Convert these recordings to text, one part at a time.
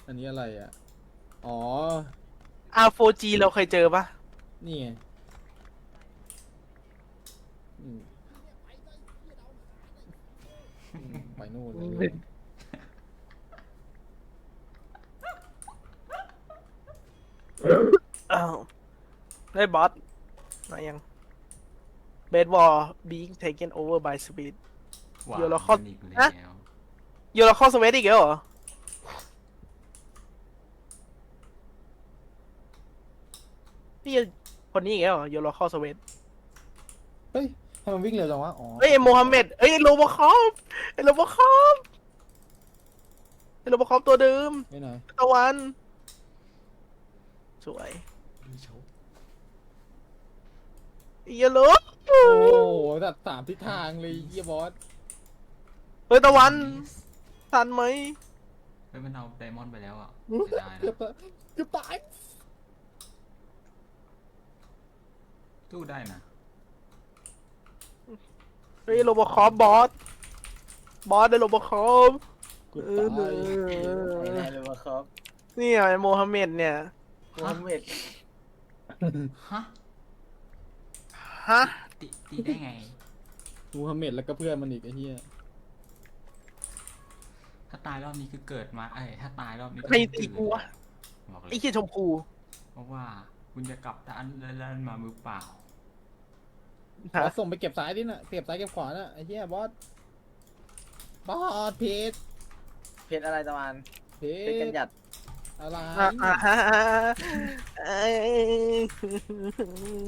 อันนี้อะไรอ่ะอ๋อ R4G เราเคยเจอปะนี่ไงอืมไปนู่นเลยอ้าวได้บอสมายังเบสบอล being taken over by speed ว้าเดี๋ยวเราวเข้ามันอีกแล้ฮะวโยเราเข้าสวีทอีกแล้วเหรอพี่คนนี้อีกแล้วเหรอโยเราเข้าสวีทเฮ้ยทำไมวิ่งเร็วจังวะอ๋อเฮ้ยไอ้โมฮัมเหม็ดเฮ้ยไอ้โรบอคอปไอ้โรบอคอปไอ้โรบอคอปตัวเดิมไม่ไหนตะวันสวยเยลโลโอ้โหตัดสามทิศทางเลยเฮียบอสเฮ้ยตะวันทันไหมเฮ้ยมันเอาไดมอนด์ไปแล้วอ่ะเสียดายเกือบนะเกือบตายสู้ได้นะเฮ้ยโรบอคอปบอสได้โรบอคอปเกือบตายไม่ได้เลยว่าครับเนี่ยไอ้โมฮัมเหม็ดเนี่ยโมฮัมเหม็ดฮะฮะตีได้ไงมูฮัมเหม็ดแล้วก็เพื่อนมันอีกไอ้เหี้ยถ้าตายรอบนี้คือเกิดมาถ้าตายรอบนี้ก็ใครต้องตีตื่นกูวะบอกเลไอ้ยเหี้ยชมพูเพราะว่าคุณจะกลับด้านแล้วมามือเปล่าบอสส่งไปเก็บซ้ายดิน่ะเก็บซ้ายเก็บขวาน่ะไอ้เหี้ยบอสบอสเพชรเพชรอะไรตะวันเพเพชรกันชหรยัดอะไรเอ้ย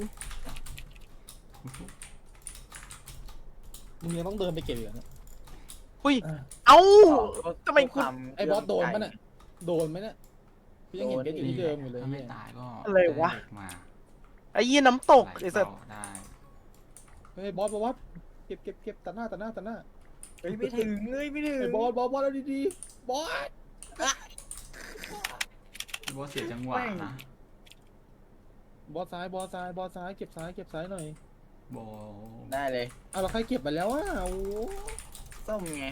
มึงยังต้องเดินไปเก็บอีกเหรอเนี่ยอุ้ยเอ้าทำไมคุณไอ้บอสโดนปะเนี่ยโดนไหมเนี่ยพี่ยังเห็นเพชรอยู่ที่เดิมอยู่เลยถ้าไม่เนี่ยตายก็อะไรวะด้เด็กมาไอ้ยี่น้ำตกไหลไอ้สัสเบาได้เฮ้ยบอสเก็บตัดหน้าเฮ้ยไม่ถึงเลยไม่ถึงไอ้บอสแล้วดีๆบอสบอสเสียจังหวะนะบอสซ้ายเก็บซ้ายหน่อยโบได้เลยเอาเราใครเก็บไปแล้วอ่ะโอ้ส้มไง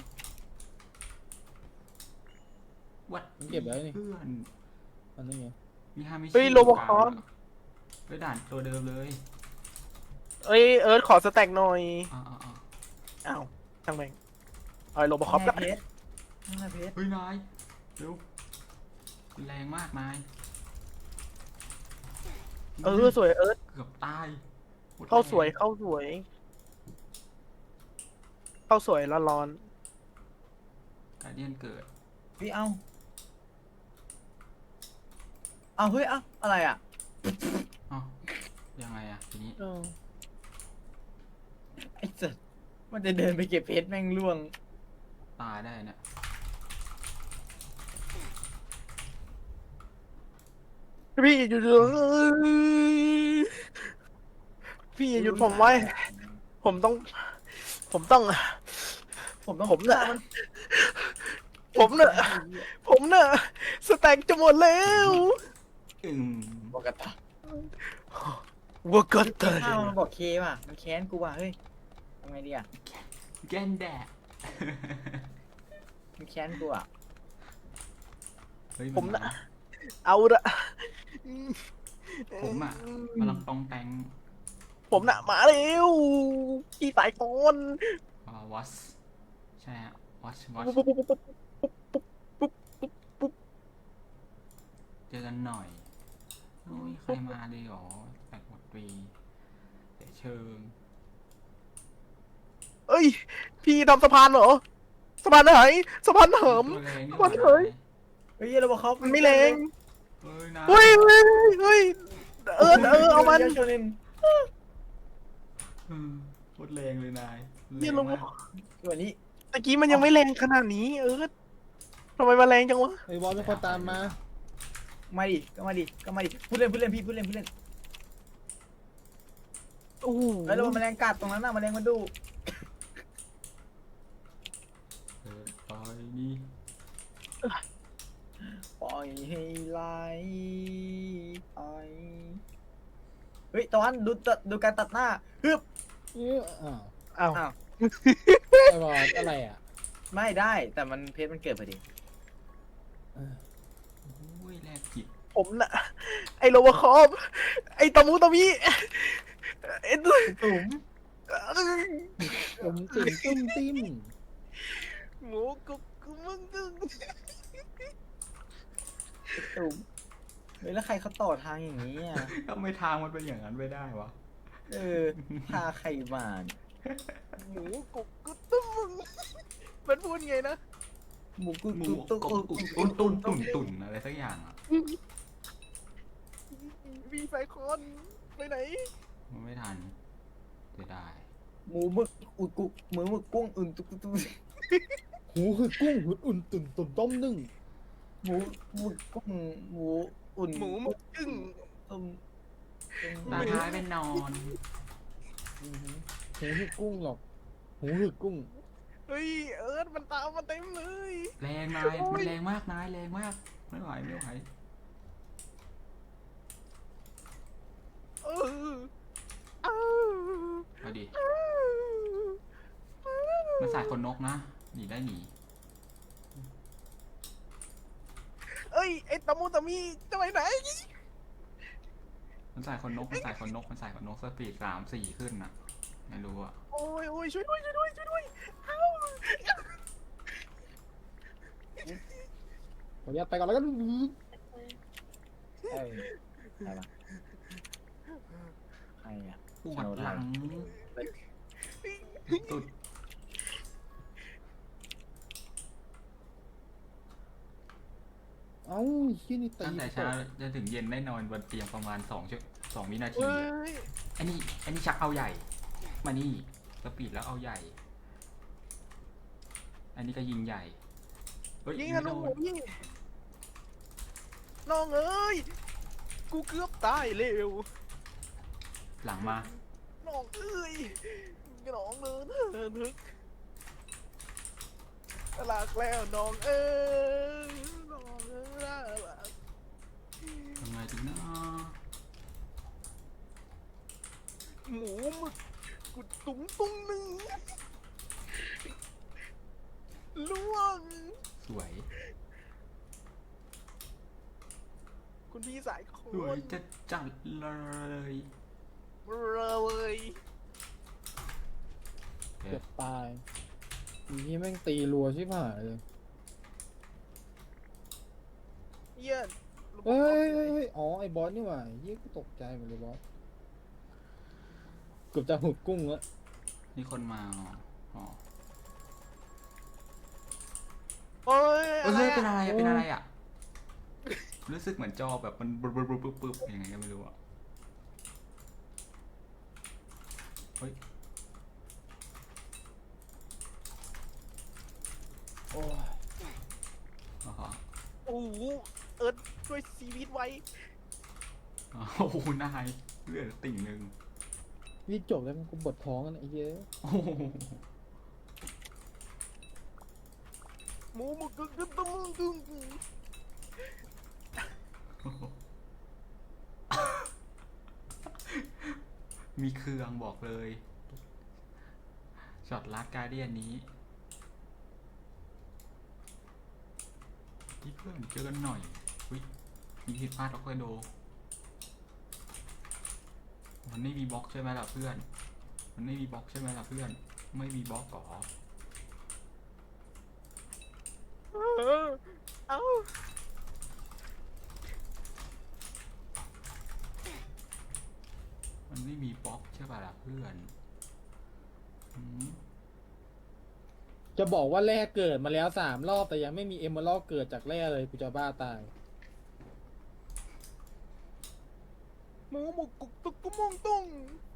วัดเก็บไว้นี่เพื่อนอันนี้ไงมีฮามิชิเฮ้ยโรบอคอปไปด่านตัวเดิมเลยเอ้ยเอิร์ธขอสแต็กหน่อยอ่าอ้าวช่างแม่งเอาไอ้โรบอคอปนั่ละนไงเพชรนั่นไงเพชรเฮ้ยนายเร็วแรงมากนายสวยเอิร์ธเกือบตายโคตรเข้าสวยแรงเข้าสวยร้อนการเดียนเกิดพี่เอาเฮ้ยอะไรอ่ะเอ้ายังไงอะทีนี้ๆไอ้สัสมันจะเดินไปเก็บเพชรแม่งล่วงตายได้เนี่ยพี่อย่าหยุดพี่อย่าหยุดผมไว้ ผมต้องผมต้องผมเนี่ยฆ่ามันผมเนี่ยสแต็กจะหมดแล้วบอกกันตาวัวกันเตยฆ่ามันบอกเคว่ะมันแค้นกูว่ะเฮ้ยทำไงดีอ่ะแกนแดดมันแค้นกูอ่ะเฮ้ยผมน่ะเอาละผมอะกำลังตองแตงผมน่ะมาเร็วพี่ตายก่อนวอชใช่ฮะวอชเจอกันหน่อยโอ้ยใครมาเลยหรอแปลกหมดปีแต่เชิงเอ้ย พี่ทำสะพานเหรอสะพานไหนสะพานเหิมตัวแรงนี่วันเฮ้ยเฮ้ยเราบอกเขามันไม่แรงเฮ้ยนะเฮ้ยเอามันโชนินโคตรแรงเลยนายเหี้ยลงแรงมากตัวนี้ตะกี้มันยังไม่แรงขนาดนี้ทำไมมาแรงจังวะไอ้บอสเป็นคนตามมามาดิก็มาดิพูดเล่นพี่พูดเล่นโอ้โหแล้วเราแมลงกัดตรงนั้นน่ะแมลงมาดูตายนี่ปล่อยให้ไหลไปเฮ้ยตะวันดูการตัดหน้าฮึบอ้าวอ้าวอ้าวไอ้บอสอะไรอ่ะไม่ได้แต่มันเพชรมันเกิดพอดีแรกจิตผมน่ะ ไอโรบอคอปไอตะมูตะมิไอตัวตุ่มตุ่มติ่มตุ้มติ้มหมูกุกกุมึงตึงตุ่มเฮ้ยแล้วใครเขาต่อทางอย่างนี้อ่ะทำไมทางมันเป็นอย่างนั้นไม่ได้วะเออพาใครมาเนี่ยหมูกุกกุตึ้มมึงมันพูดไงนะหมูกุหมูกุตุ๊กกบตุ่นตุ่นตุ่นตุ่นอะไรสักอย่างอ่ะมีไฟคอนไปไหนมันไม่ทันจะได้หมูหมึกอุดกุหมูหมึกกุ้งอุ่นตุ๊กตุ๊กหูคือกุ้งหุดอุ่นตุ่นตุ่นต้มนึ่งหมูหมึกกุ้งหมูอุ่นหมูหมึกกึ่งต้มตาท้ายเป็นนอนหูคือกุ้งหรอกหูคือกุ้งเฮ้ยเอิร์ธมันตามมาเต็มเลยแรงนายมันแรงมากนายแรงมากไม่ไหวไม่ไหวเออเออเอาดิมันสายคนนกนะหนีได้หนีเอ้ยไอตะมูตะมีจะไปไหนมันสายคนนกมันสายคนนกมันสายคนนกสปีด3-4ขึ้นอ่ะไม่รู้อ่ะโอ้ยโอ้ยช่วยด้วยช่วยด้วยช่วยด้วยเอ้าขออนุญาตไปก่อนแล้วกันเอ้ยใครวะใครอ่ะปวดหลังสุดเอ้าชี้ยนี่ตีตั้งแต่เช้าจนถึงเย็นได้นอนบนเตียงประมาณ2 วินาทีเฮ้อะยอันนี้ชักเอาใหญ่ มานี่สปีดแล้วเอาใหญ่ อันนี้ก็ยิงใหญ่เฮ้ยยิงไม่ธโดนูนยิงน้องเอ้ยกูเกือบตายเร็วหลังมาน้องเอ้ยน้องเดินนึกหลักแล้วน้องเอ้ยน้องเอ้ยหลักทำไงดีนะหมูหมึกกุดตุ้งตุ้งหนึ่งล่วงสวยคุณพี่สายคสวยนจะจัดเลยเลยเกือบตายอีนี่แม่งตีรัวชิบหายเลยเยี่ยนเฮ้ยเฮ้ยเฮ้ยอ๋อไอ้บอสนี่หว่าเยี่ยกูตกใจหมดเลยบอสเกือบจะหุดกุ้งแล้วนี่คนมาอ๋อโอ้ยเฮ้ยเป็นอะอะไรอะเป็นอะไรอะรู้สึกเหมือนจอแบบมันปึ๊บยังไงก็ไม่รู้อะเฮ้ยโอ้ยอ๋อโอ้โหเอิร์ธช่วยชีวิตไว้โอ้โหนายเลือดติ่งหนึ่งนี่จบแล้วมันกูปวดท้องกันไอ้เหี้ยโอ้โหหมูหมึกกึ่งกึ่งตุ้งกึ่งมีเครื่องบอกเลยช็อตลัดการเดียนนี้ที่เพื่อนเจอกันหน่อยอุ้ยมีผิดพลาดออกไปโดมันไม่มีบล็อกใช่ไหมล่ะเพื่อน มันไม่มีบล็อกใช่ไหมล่ะเพื่อน ไม่มีบล็อกหรอเอ้ามันไม่มีบล็อกใช่ป่ะล่ะเพื่อนอืมจะบอกว่าแร่เกิดมาแล้ว3 รอบแต่ยังไม่มีเอมเมอรัลเกิดจากแร่เลยกูจะบ้าตายหมูหมึกกุกตุกกุมงตุ้ง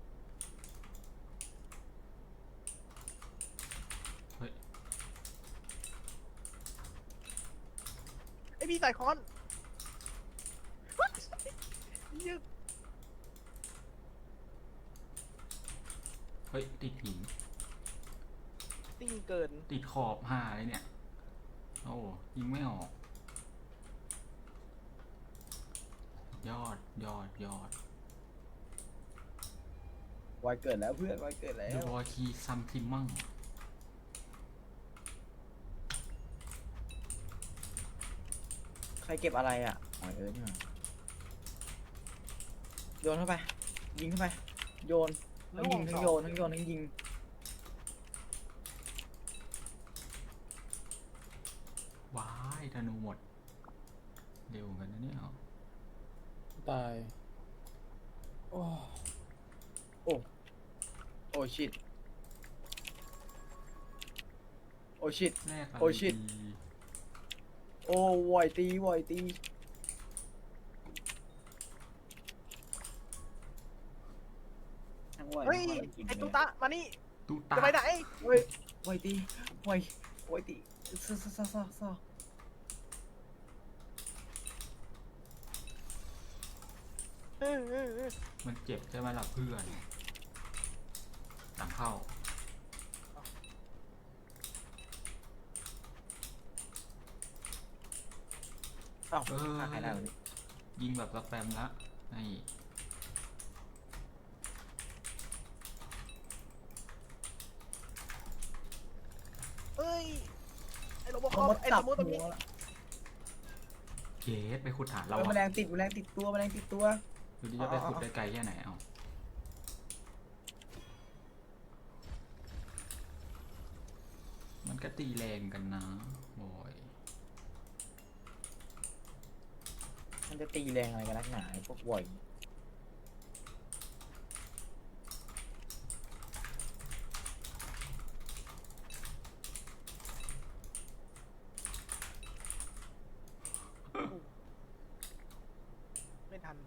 เฮ้ยไอพี่สายคอนเหี้ยเฮ้ยติดหินติ้งเกินติดขอบห่าเลยเนี่ย โอ้ยิงไม่ออก ยอดวายเกิดแล้วเพื่อนวายเกิดแล้เดววอคีซัมทิมมั่งขใครเก็บอะไรอ่ะอ๋อนี่หว่าโยนเข้าไป ยิงเข้าไป โยนทั้งยิงทั้งโยนทั้งโยนทั้งยิงว้ายธนูหมด เร็วกันนะเนี่ยตาย โอ้โอ้ชิตโอ้ชิตแรกอะไรโอ้ชิตดีโอ้วอยตีวอยตีทั้งวอยเฮ้ยทั้งวอยกินไอ้เลยตุ๊ตะมานี่ตู้ตาจะไปไหนเฮ้ยวอยตีวอยวอยตีซ่อมันเจ็บใช่ไหมล่ะเพื่อนหลังเข้าเอ้าเออหายได้วะนี่ยิงแบบสแปมละนี่เฮ้ย ไอ้โรบอคเอาอปมาไอ้จัสบมูทตรงหันี้วละเกสไปขุดฐานเราแมอะลงติดแมลงติดตัวแมลงติดตัวดูดิจะไปขุดได้ไกลแค่ไหนเอามันก็ตีแรงกันนะบอยมันจะตีแรงอะไรกันนักหนาไอ้พวกวอยไม่ทัน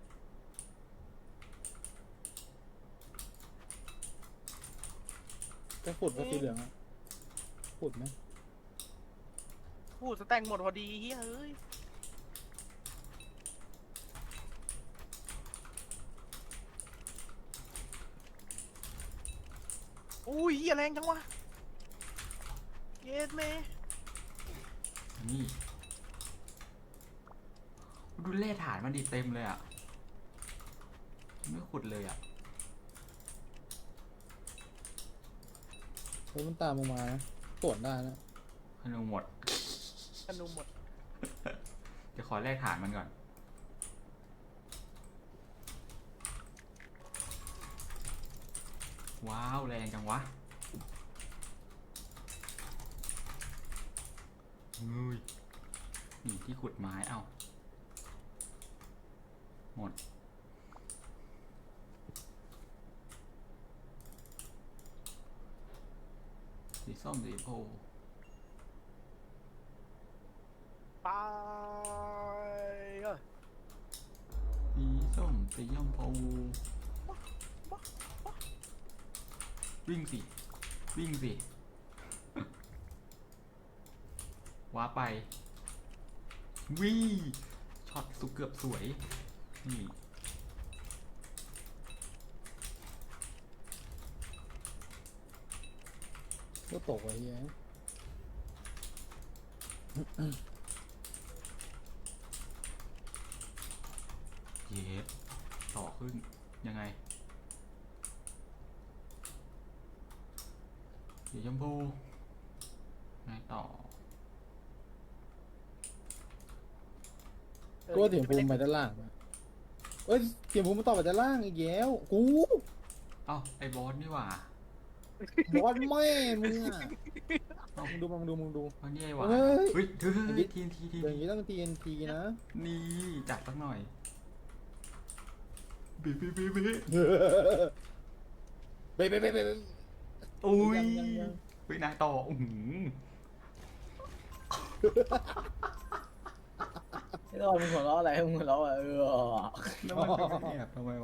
จะขุดก็สีเหลืองอะขุดไหมพูดสแต็งหมดพอดีเฮ้ยเอ้ยอุ้ยเหี้ยแรงจังวะ เย็ดเมนี่ดูเล่ฐานมันดีเต็มเลยอ่ะ ไม่ขุดเลยอ่ะเฮ้ยมันตามลงมานะตรวจได้นะธนูหมดธนูหมดเดี๋ยวขอแลกฐานมันก่อน ว้าว แรงจังวะเฮ้ยนี่ที่ขุดไม้เอ้า หมด สีส้มสีโพไปเอ้ยสีส้มสีย่อมพูวิ่งสิ วิ่งสิ ว้าไป วิ่งช็อตสุดเกือบสวย นี่ก็ตกไอ้เหี้ยเย็บต่อขึ้น ยังไงสีชมพูไงต่อก็เสียงภูมิไปด้านล่างอะเอ้ยเสียงภูมิมันต่อไปด้านล่างอีกแล้วกูเอ้า ไอ้บอสนี่หว่าบอสแม่มึงอะมึงดูมึงดูเอานี่ไอ้หว่าเฮ้ยเฮ้ยเฮ้อย่างงี้ยทีนทีทีอย่างนี้ต้อง TNT นะนี่จัดสักหน่อยบีบีบีบีเบ๊ะเบ๊ะเบ๊ะเบ๊ะอุ้ยยังเฮ้ยนายต่ออือหือไอ้ตอนมึงหัวเราะอะไรมึงหัวเราะอะแล้วมันเป็นแอบทำไมวะ